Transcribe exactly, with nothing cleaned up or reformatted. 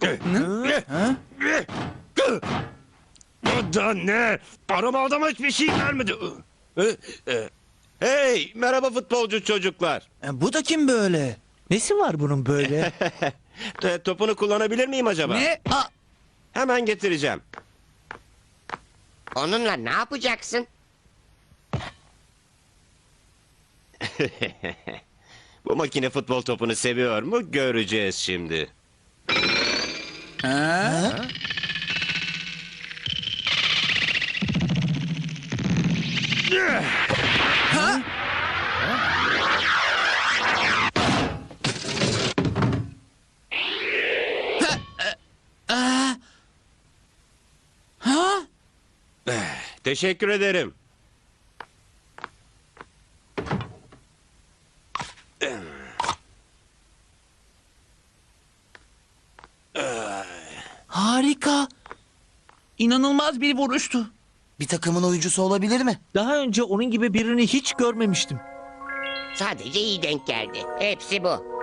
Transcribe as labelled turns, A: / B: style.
A: Bu da ne? Arama adama hiçbir şey vermedi.
B: Hey, merhaba futbolcu çocuklar.
C: E, Bu da kim böyle?
D: Nesi var bunun böyle?
B: T- Topunu kullanabilir miyim acaba?
C: Ne? Aa,
B: Hemen getireceğim.
E: Onunla ne yapacaksın?
B: Bu makine futbol topunu seviyor mu? Göreceğiz şimdi.
C: ha? Ha?
B: Teşekkür ederim.
C: Harika.
D: İnanılmaz bir vuruştu.
C: Bir takımın oyuncusu olabilir mi?
D: Daha önce onun gibi birini hiç görmemiştim.
E: Sadece iyi denk geldi. Hepsi bu.